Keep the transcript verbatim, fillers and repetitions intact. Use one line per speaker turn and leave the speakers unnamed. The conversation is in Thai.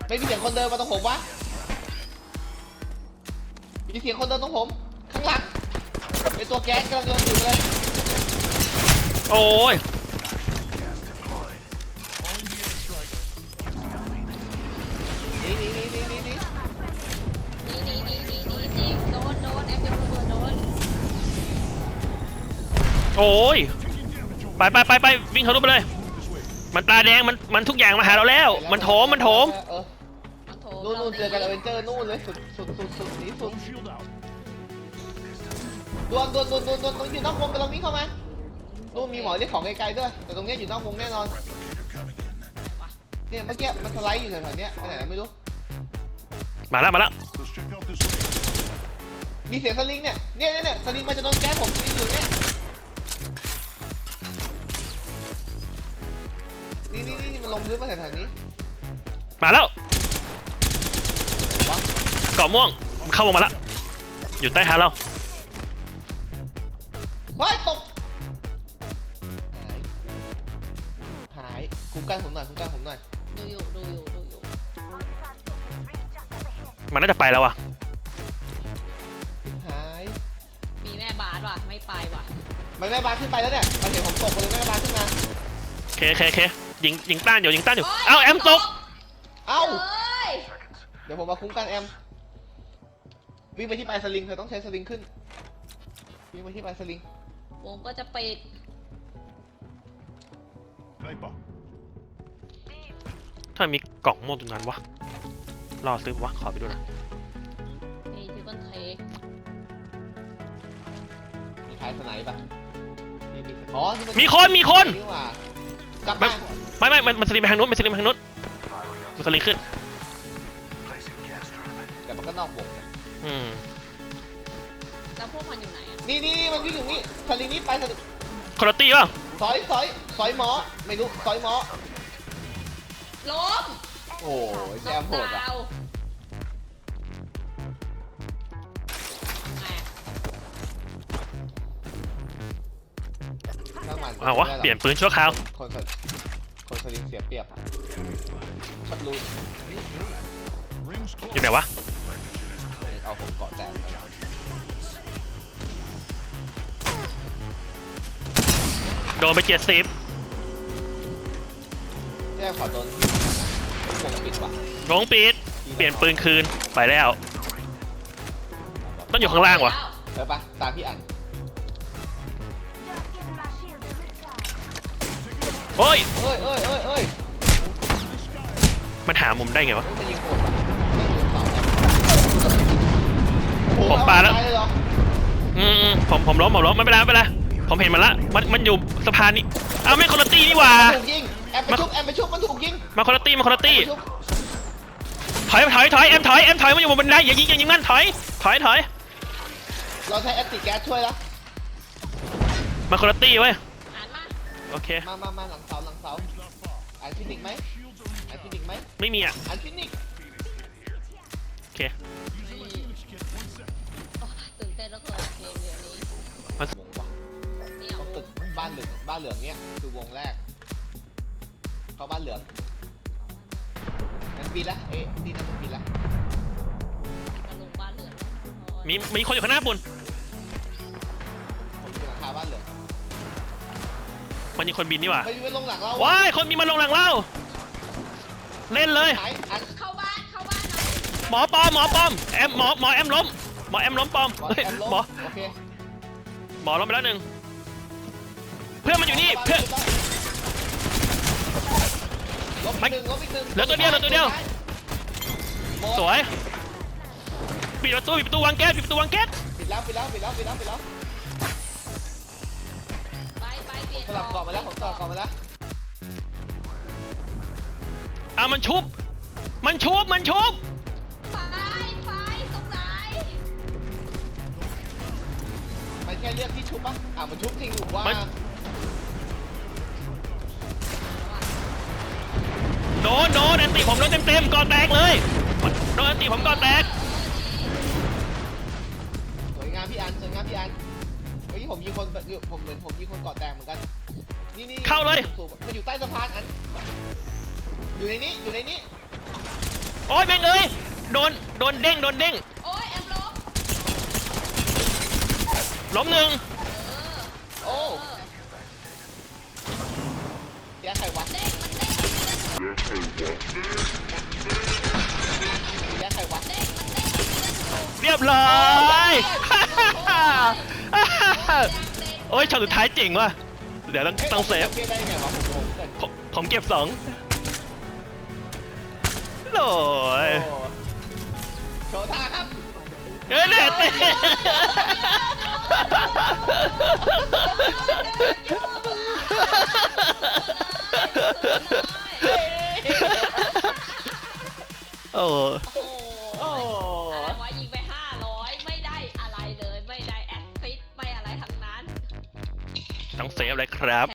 ไม่มีเสียงคนเดินมาตรงผมวะมีเสียงคนเดินตรงผมข้างหลังเป็นตัวแก๊สกำลังเดินอยู่เลย
โอ้ย
นี่นี่นี่นี่นี่นี่
นี่นี่นี่นี่นี่นี่โดนโดนแอปเปิลระเบิดโดน
โอ้ยไปไปไปไปวิ่งทะลุไปเลยมันตาแดงมันมันทุกอย่างมาหาเราแล้วมันโถมมันโถม
เออ
มันโถ
นู่นนู่นเจอกันอเวนเจอร์นู่นเลยสุดสุดสุดสุดนี้สุดดวนดวนดวนดวนดวนตรงอยู่นอกวงกำลังวิ่งเข้ามานู่นมีหมอเรียกของไกลๆด้วยแต่ตรงนี้อยู่นอกวงแน่นอนเนี่ยเมื่อกี้มันสไลด์อยู่แถวๆนี้ไปไหนไม่รู้
มาแล้วมาแล้ว
มีเสียงสลิงเนี่ยเนี่ยเนี่ยสลิงมันจะโดนแก๊สผมสลิงอยู่เนี่ยนี่นี่นี่มันลงพื้นมาแถวๆนี้
มาแล้วเกาะม่วงเข้าวงมาแล้วอยู่ใต้เท้าเรา
เฮ้ยตกหายหายคุ้มกันผมหน่อยคุ้มกันผมหน่อย
ดูอยู่ดูอยู่ดูอยู่
มันน่าจะไปแล้วอ่ะ
หาย
มีแม่บาสว่ะไม่ไปว่ะ
มันแม่บาสขึ้นไปแล้วเนี่ยมันเห็นผมตกเลยแม่บาสขึ้นมา
เคเคเคยิงยิงต้านอยู่ยิงต้านอยู่เอ้าแอมตก
เอ้าเดี๋ยวผมมาคุ้มกันแอมวิ่งไปที่ปลายสลิงเธอต้องใช้สลิงขึ้นวิ่งไปที่ปลายสลิง
วงก็จะปิด
ถ้ามีกล่องโม่ตรงนั้นวะรอซื้อวะขอไปดูนะ
นี่ที่ต้นเทค
มีท้ายสไนป์ป่ะอ๋อ
มีคนมีคน
กลับมา
ไม่ไม่มันสลิงไปทางนู้นมันสลิงไปทางนู้นมันสลิงขึ้น
แต่มันก็นอกวง
อืม
แล้วพวกมันอยู่ไหนอ่ะ
นี่นี่มันวิ่งอยู่นี่สลิงนี้ไปสลิง
คอร์ตี้ป่ะ
สอยสอยสอยหมอไม่รู้สอยหมอ
ล้ม
โอ้ยแจมโหดอ่ะ
เอาวะเปลี่ยนปืนชั่วคราว
คนคนสลิงเสียเปรียบชัดรู้
อยู่ไหนวะ
เอาผมเกาะแตก
โดนไปเจ็ดสิบ
แย่ขอโดนวงปิดว่ะ
วงปิดเปลี่ยนปืนคืนไปแล้วต้องอยู่ข้างล่างวะ
เออปะตามพี่อัน
โอ้ย
เอ้ยเอ้ยเอ้ยเอ้ย
มันหามุมได้ไงวะ
ผม
ปาแล้วอืมผมผมล้มผมล้มไม่เป็นไรไม่เป็นไรผมเห็นมันละมันมันอยู่สะพานนี้อ้าวไม่คอร์ตี้นี่หว่า
ถูกยิงแอมไปชุบแอมไปชุบมันถูกยิง
มาคอร์ตี้มาคอร์ตี้ถอยถอยถอยแอมถอยแอมถอยมันอยู่บนบันไดอย่ายิงอย่ายิงมันถอยถอยถอย
เราใช้แอตติแก๊สช่วยแล้ว
มาคอร์ตี้เว้ยโอเค
มามามาหลังเสาหลังเสาอันฟินิกไหมอันฟินิกไหม
ไม่มีอ่ะ
อันฟินิก
โอเค
ตื่นเต้นแล้วก็เกมเดี๋ยวนี้
วงวะต้องตึกบ้านเหลืองบ้านเหลืองเนี้ยคือวงแรกเข้าบ้านเหลืองมันปีละเอ๊ะดีนะมันปีละ
ลงบ้านเหลือง
มีมีคนอยู่ข้างหน้าปุ่น
ผมอยู่หลังคาบ้านเหลือง
มันมีคนบินนี่หว่า
ไปลงหลังเรา
ว้ายคนมีมาลงหลังเราเล่นเลย
เข้าบ้านเข้าบ้าน
หมอปอมหมอปอมแอมหมอหมอแอมล้มหมอแอมล้มปอมหมอหมอล้มไปแล้วหนึ่งเพื่อนมันอยู่นี่เพื่อน
ไม่เห
ลือตัวเดียวเหลือตัวเดียวสวยปิดประตูปิดประตูวางแก๊สปิดประตูวางแก๊ส
ปิดแล้วปิดแล้วปิดแล้วปิดแล้วปิดแล้ว
ไปไปเปลี่ยน
สลับเกาะมาแล้วผมต่อเกาะมาแล้ว
อ่ะมันชุบมันชุบมันชุบ
ไปไปตรงไหน
มันแค่เรียกที่ชุบปะอ่ะมันชุบจริงหรือว่า
โดนโดนแอนตี้ผมโดนเต็มเต็มก่อแตกเลยโดนแอนตี้ผมก่อแตก
สวยงามพี่อันสวยงามพี่อันเฮ้ยผมยิงคนผมเหมือนผมยิงคนก่อแตกเหมือนกันนี่นี่
เข้าเลย
มันอยู่ใต้สะพานอันอยู่ในนี้อยู่ในนี้
โอ้ยแม่งเอ้ยโดนโดนเด้งโดนเด้ง
โอ้ยแอมล้ม
ล้มหนึ่ง
โอ้เดี๋ยวใครวะ
เด้งมันเด้ง
เดี๋ยวใครวะ
เด้งมันเด้ง
เรียบร้อย โอ้ยช็อตสุดท้ายเจ๋งว่ะเดี๋ยวต้องต้องเซฟ
เก็บได้ไงวะผมงงเกิน
ผมผมเก็บสองโอ้ย
โอ้โชว์ท่าครับ
เอ้ยเนี่ยเต้โอ้
โอ้อะไรวะยิงไปห้าร้อยไม่ได้อะไรเลยไม่ได้แอสซิสต์ไม่อะไรทั้งนั้น
ต้องเซฟเลยครับ